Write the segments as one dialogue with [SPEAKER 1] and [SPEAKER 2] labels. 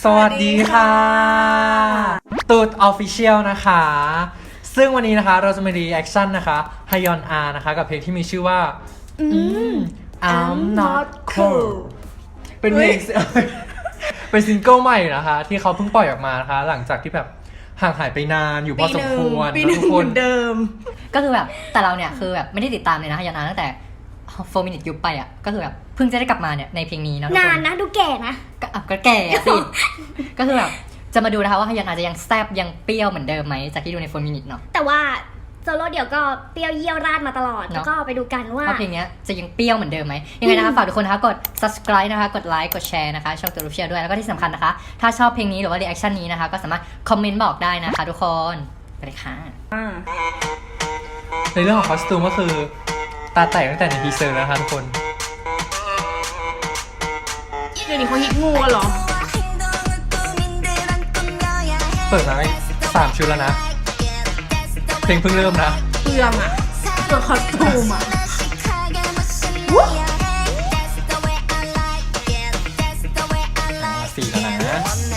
[SPEAKER 1] สวัสดีค่ะตูดออฟฟิเชียลนะคะซึ่งวันนี้นะคะเราจะมารีแอคชั่นนะคะฮยอนอานะคะกับเพลงที่มีชื่อว่าI'm not cool เป็นเพลง เป็นซิงเกิลใหม่นะคะที่เขาเพิ่งปล่อยออกมานะคะหลังจากที่แบบห่างหายไปนานอยู่พอสมควร
[SPEAKER 2] ปีหนึ่ง
[SPEAKER 1] ทุกคน
[SPEAKER 2] เดิม
[SPEAKER 3] ก็คือแบบแต่เราเนี่ยคือแบบไม่ได้ติดตามเลยนะฮยอนอาตั้งแต่4 minute ยุบไปอ่ะก็คือแบบเพิ่งจะได้กลับมาเนี่ยในเพลงนี้นะทุกคน
[SPEAKER 2] นานนะดูแก่นะ
[SPEAKER 3] ก็แก่สิ ก็คือแบบจะมาดูนะคะว่าฮยอนอาจะยังแซ่บยังเปรี้ยวเหมือนเดิมไหมจากที่ดูใน4 minute เนาะ
[SPEAKER 2] แต่ว่าโซโล่เดี่ยวก็เปรี้ยวเยี่ยวราดมาตลอด แล้วก็ไปดูกันว่า
[SPEAKER 3] เพลงนี้จะยังเปรี้ยวเหมือนเดิมไหมยังไงนะคะฝากทุกคนนะคะกด subscribe นะคะกดไลค์กดแชร์นะคะช่องตัวรูปเชียร์ด้วยแล้วก็ที่สำคัญนะคะถ้าชอบเพลงนี้หรือว่า reaction นี้นะคะก็สามารถคอมเมนต์บอกได้นะคะทุกคนไปเลยค่ะ
[SPEAKER 1] ในเรื่องของคอสตูมก็คือตาแตกตั้งแต่ในทีเซอร์แล้วนะคะทุกคน
[SPEAKER 2] เดี๋ยวนี้เขาฮิตงูเหรอ
[SPEAKER 1] เปิดมาไม่3 ชุดแล้วนะเพลงเพิ่งเริ่มนะ
[SPEAKER 2] เปลืองอ่ะตัวคอสตูมอ่ะ
[SPEAKER 1] 4แล้วนะ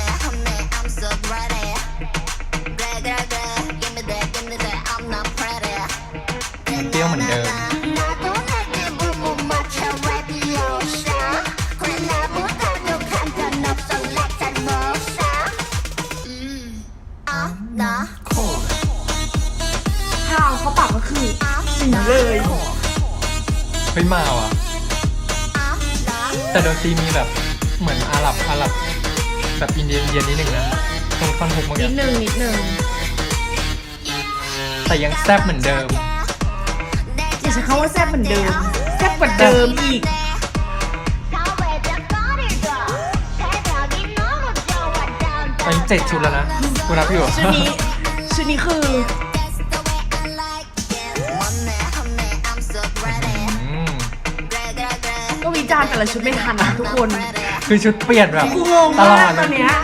[SPEAKER 1] มันเปรี้ยวเหมือนเดิม
[SPEAKER 2] ทางเขาปรับก็คือสีเลย
[SPEAKER 1] เฮ้ยมาว่ะแต่ดนตรีมีแบบเหมือนอาหรับแบบอินเดียนิดหนึ่งนะตรงท่อนฮุกเมื่อ
[SPEAKER 2] นิ
[SPEAKER 1] กี้
[SPEAKER 2] ดนึง
[SPEAKER 1] แต่ยังแซ่บเหมือนเดิม
[SPEAKER 2] อย่าใช้คำว่าแซ่บเหมือนเดิมแซ่บกว่าเดิมอีก
[SPEAKER 1] ตอนนี้7 ชุดแล้วนะกูนับอยู่
[SPEAKER 2] ชุดนี้คือ
[SPEAKER 1] อืม
[SPEAKER 2] ก็วิจารณ์แต่ละชุดไม่ทันนะทุกคน
[SPEAKER 1] คือชุดเปลี่ยนแบบ
[SPEAKER 2] กูงง
[SPEAKER 1] ตลอ
[SPEAKER 2] มา
[SPEAKER 1] ด
[SPEAKER 2] ก
[SPEAKER 1] เล
[SPEAKER 2] ตอย นเนี้ย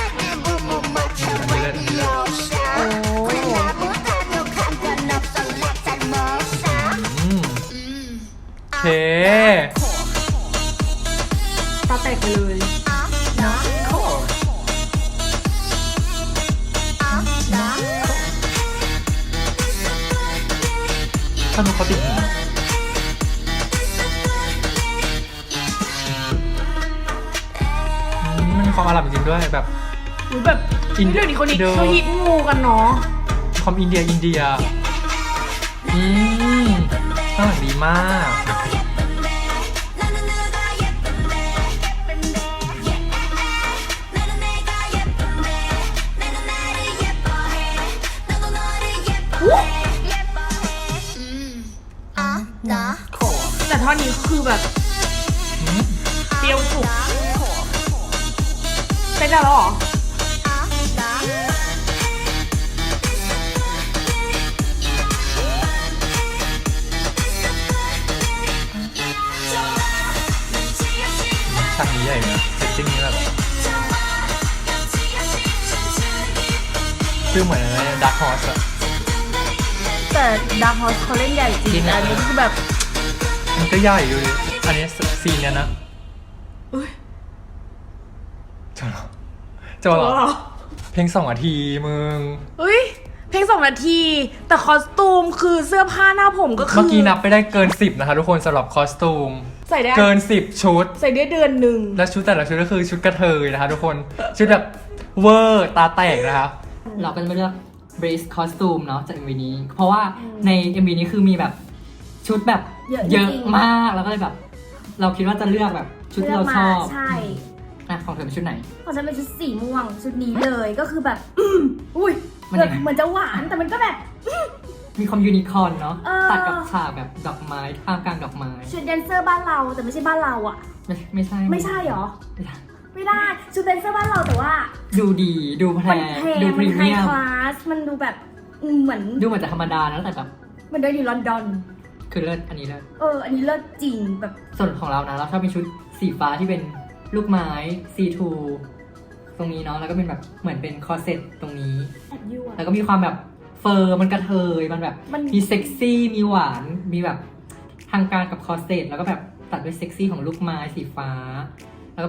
[SPEAKER 1] อันนี้เลิศ
[SPEAKER 2] โอ้
[SPEAKER 1] อืมโอเค
[SPEAKER 2] ตาแตกไปเลยนะ
[SPEAKER 1] ถ้าดูเขาติดหูมันมีความอาหรับจริงๆด้วยแบบ
[SPEAKER 2] อุ๊ยแบบ
[SPEAKER 1] อินเดีย
[SPEAKER 2] เดี๋ยวนี้คนนี้
[SPEAKER 1] เดิม
[SPEAKER 2] เขาฮิตงูกันเนาะ
[SPEAKER 1] ความอินเดียอืมข้างหลังดีมาก
[SPEAKER 2] แต่ท่อนนี้คือแบบ
[SPEAKER 1] อืม
[SPEAKER 2] เปรี้ยวสุกเต้นได้แล้วเหรอ
[SPEAKER 1] ฉากนี้ใหญ่นะเซตติ้งนี้แบบคือเหมือนอะไรดักฮอสอะ
[SPEAKER 2] แต่ดาร์คฮอสเขาเล่นใหญ่จริงอันนี้คือแบบ
[SPEAKER 1] มันก็ใหญ่อยู่ดิอันนี้ซีนเนี้ยนะ
[SPEAKER 2] อุ้ย
[SPEAKER 1] จบเหรอเพลง2 นาทีมึง
[SPEAKER 2] อุ้ยเพลง2 นาที แต่คอสตูมคือเสื้อผ้าหน้าผมก็คือ
[SPEAKER 1] เมื่อกี้นับไปได้เกิน10นะคะทุกคนสำหรับคอสตูม
[SPEAKER 2] ใส่ได้
[SPEAKER 1] เกิน10 ชุด
[SPEAKER 2] ใส่ได้เดือนหนึ่ง
[SPEAKER 1] และชุดแต่ละชุดก็คือชุดกระเทยนะคะทุกคนชุดแบบเวอร์ตาแตกนะคะ
[SPEAKER 3] เราก็จะมาเลือก Brace Costume เนาะจาก MV นี้ เพราะว่าใน MV นี้คือมีแบบชุดแบบเยอะมากแล้วก็เลยแบบ เราคิดว่าจะเลือกแบบชุดที่เราชอบ
[SPEAKER 2] ใช่
[SPEAKER 3] ของเธอเป็นชุดไหน
[SPEAKER 2] ของฉันเป็นชุดสีม่วงชุดนี้เลยก็คือแบบ อุ้ย
[SPEAKER 3] มันยังไง
[SPEAKER 2] เหมือนจะหวานแต่มันก็แบบ
[SPEAKER 3] มีความยูนิคอร์นเนาะ
[SPEAKER 2] เออ
[SPEAKER 3] ตัดกับฉากแบบดอกไม้ท่ามกลางดอกไม้
[SPEAKER 2] ชุดแดนเซอร์บ้านเราแต่ไม่ใช่บ้านเราอ่ะ
[SPEAKER 3] ไม่ใช่
[SPEAKER 2] ไม่ใช่หรอ
[SPEAKER 3] ไม่ใช่
[SPEAKER 2] ไม่ได้ชุดแดนเซอร์บ้านเราแต่ว่า
[SPEAKER 3] ดูดีดูแพ
[SPEAKER 2] มัน
[SPEAKER 3] ง
[SPEAKER 2] แพง
[SPEAKER 3] ดูพ
[SPEAKER 2] มั
[SPEAKER 3] รี
[SPEAKER 2] นไฮ
[SPEAKER 3] เมียม
[SPEAKER 2] คลาสมันดูแบบเหมือน
[SPEAKER 3] ดูเหมือนจะธรรมดานะแต่แบบ
[SPEAKER 2] มันเดินอยู่ลอนดอน
[SPEAKER 3] คือเลิศอันนี้เลิศ
[SPEAKER 2] อันนี้เลิศจริงแบบ
[SPEAKER 3] ส่วนของเรานะเราชอบมีชุดสีฟ้าที่เป็นลูกไม้ซีทูตรงนี้เนาะแล้วก็เป็นแบบเหมือนเป็นคอร์เซ็ตตรงนี้
[SPEAKER 2] แอบยั่ว
[SPEAKER 3] แล้วก็มีความแบบเฟอร์มันกระเทยมันแบบ
[SPEAKER 2] มัน
[SPEAKER 3] มีเซ็กซี่มีหวานมีแบบทางการกับคอร์เซ็ตแล้วก็แบบตัดด้วยเซ็กซี่ของลูกไม้สีฟ้า แล้วก็แบบ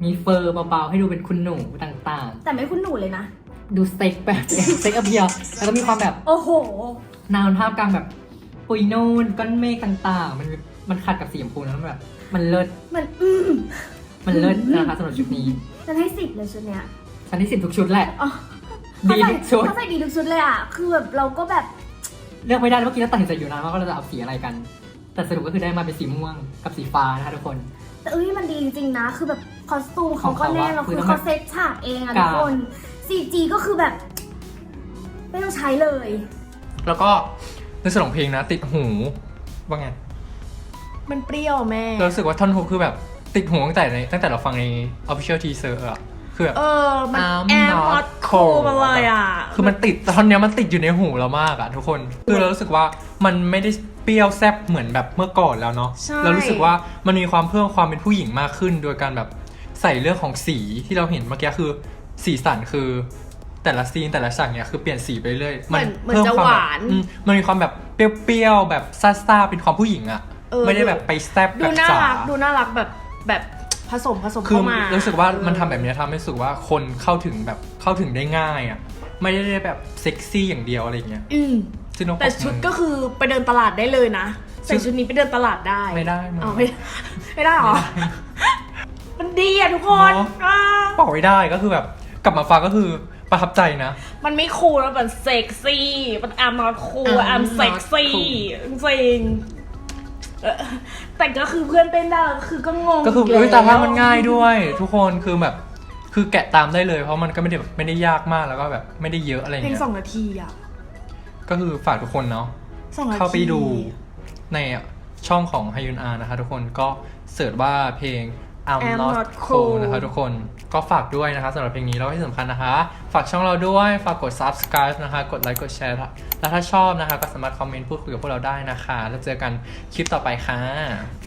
[SPEAKER 3] มีเฟอร์เบาๆให้ดูเป็นคุณหนูต่าง
[SPEAKER 2] แต่ไม่คุ้นหนูเลยนะ
[SPEAKER 3] ๆ ดูสเต็กแบบ สเต็กเพียวแล้วก็มีความแบบ
[SPEAKER 2] โอ้โห
[SPEAKER 3] นาวท่ามกลางแบบปุยนูนก้อนเมฆต่างๆ มันขัดกับสีชมพูนะมันแบบ มันเลิศ มันเลิศนะคะสำหรับชุดนี้
[SPEAKER 2] ฉันให้10เลยชุดเนี้ย
[SPEAKER 3] ชั้นที่10ทุกชุดแหละ
[SPEAKER 2] อ๋อ
[SPEAKER 3] ดีทุกชุด
[SPEAKER 2] เขาใส่ดีทุกชุดเลยอ่ะ คือแบบเราก็แบบ
[SPEAKER 3] เลือกไม่ได้เมื่อกี้เราตัดสินใจอยู่นานว่าเราจะเอาสีอะไรกัน แต่สรุปก็คือได้มาเป็นสีม่วงกับสีฟ้านะคะทุกคน
[SPEAKER 2] แต่มันดีจริงๆนะ คือแบบคอสตูมเขา
[SPEAKER 3] ของ
[SPEAKER 2] ก็
[SPEAKER 3] เขา
[SPEAKER 2] แน่
[SPEAKER 3] อะ
[SPEAKER 2] แล้ว
[SPEAKER 3] คือ
[SPEAKER 2] คือ
[SPEAKER 3] ต้อง
[SPEAKER 2] เขาเซตฉากเองอะ
[SPEAKER 3] กรา
[SPEAKER 2] ทุ
[SPEAKER 3] บ
[SPEAKER 2] กคน CG ก็คือแบบ ไม่ต้องใช้เลย
[SPEAKER 1] แล้วก็ในส่วนของเพลงนะ ติดหูว่าไง
[SPEAKER 2] มันเปรี้ยวแม่
[SPEAKER 1] เรารู้สึกว่าท่อนฮุกคือแบบติดหูตั้งแต่เราฟังใน official teaser อะคือแบบ
[SPEAKER 2] มัน
[SPEAKER 1] I'm
[SPEAKER 2] แอร์
[SPEAKER 1] not
[SPEAKER 2] พอดโค
[SPEAKER 1] cold
[SPEAKER 2] มาเลยอ่ะ
[SPEAKER 1] คือมันติดท่อนเนี้ยมันติดอยู่ในหูเรามากอะทุกคน คือเรารู้สึกว่ามันไม่ได้เปรี้ยวแซ่บเหมือนแบบเมื่อก่อนแล้วเนาะ
[SPEAKER 2] ใช่
[SPEAKER 1] เรารู้สึกว่ามันมีความเพิ่มความเป็นผู้หญิงมากขึ้น โดยการแบบใส่เรื่องของสีที่เราเห็นเมื่อกี้คือสีสันคือ แต่ละซีนแต่ละฉากเนี่ยคือเปลี่ยนสีไปเรื่อย
[SPEAKER 2] เหมือน
[SPEAKER 1] เพิ่ม
[SPEAKER 2] จะ
[SPEAKER 1] คว
[SPEAKER 2] ห
[SPEAKER 1] แบบ
[SPEAKER 2] วาน
[SPEAKER 1] มันมีความแบบเปรี้ยวๆแบบซ่าๆเป็นความผู้หญิงอะไม่ได้แบบไปแซ่บ
[SPEAKER 2] ดู
[SPEAKER 1] แบบ
[SPEAKER 2] น่า
[SPEAKER 1] จ๋า
[SPEAKER 2] รักดูน่ารักแบบผสม
[SPEAKER 1] คือ
[SPEAKER 2] เข้ามา
[SPEAKER 1] รู้สึกว่ามันทำแบบนี้ทำให้รู้สึกว่าคนเข้าถึงได้ง่ายอ่ะไม่ได้แบบเซ็กซี่อย่างเดียวอะไรอย่างเงี้ย ซึ่งต้อง
[SPEAKER 2] แต่ชุดก็คือไปเดินตลาดได้เลยนะใส่ชุดนี้ไปเดินตลาดได้
[SPEAKER 1] ไม่ได้มึง
[SPEAKER 2] อ๋อไม่ได้หรอ มันดีอ่ะทุกคน
[SPEAKER 1] เนอะ
[SPEAKER 2] อ่า
[SPEAKER 1] บอกไม่ได้ก็คือแบบกลับมาฟังก็คือประทับใจนะ
[SPEAKER 2] มันไม่คูลแล้วมันเซ็กซี่มันแอมนอตคูล
[SPEAKER 1] I'm
[SPEAKER 2] แอม
[SPEAKER 1] not
[SPEAKER 2] เซ็กซี่
[SPEAKER 1] cool
[SPEAKER 2] จริงแต่ก็คือเพื่อนเต้นได้แล้วคือก็งง
[SPEAKER 1] ก็คือ
[SPEAKER 2] แล้ว
[SPEAKER 1] แต่ว่ามันง่ายด้วย ทุกคนคือแบบคือแกะตามได้เลยเพราะมันก็ไม่ได้ยากมากแล้วก็แบบไม่ได้เยอะอะไรอย่าง
[SPEAKER 2] เพลง
[SPEAKER 1] เงี้ย
[SPEAKER 2] 2 นาทีอ่ะ
[SPEAKER 1] ก็คือฝากทุกคนเนาะ
[SPEAKER 2] 2 นาที
[SPEAKER 1] เข้าไปดูในช่องของฮยุนอานะคะทุกคนก็เสิร์ชว่าเพลง I'm not cool นะคะทุกคนก็ฝากด้วยนะคะสำหรับเพลงนี้แล้วก็ที่สำคัญนะคะ ฝากช่องเราด้วยฝากกด subscribe นะคะกดไลค์กดแชร์แล้วถ้าชอบนะคะก็สามารถคอมเมนต์พูดคุยกับพวกเราได้นะคะแล้วเจอกันคลิปต่อไปค่ะ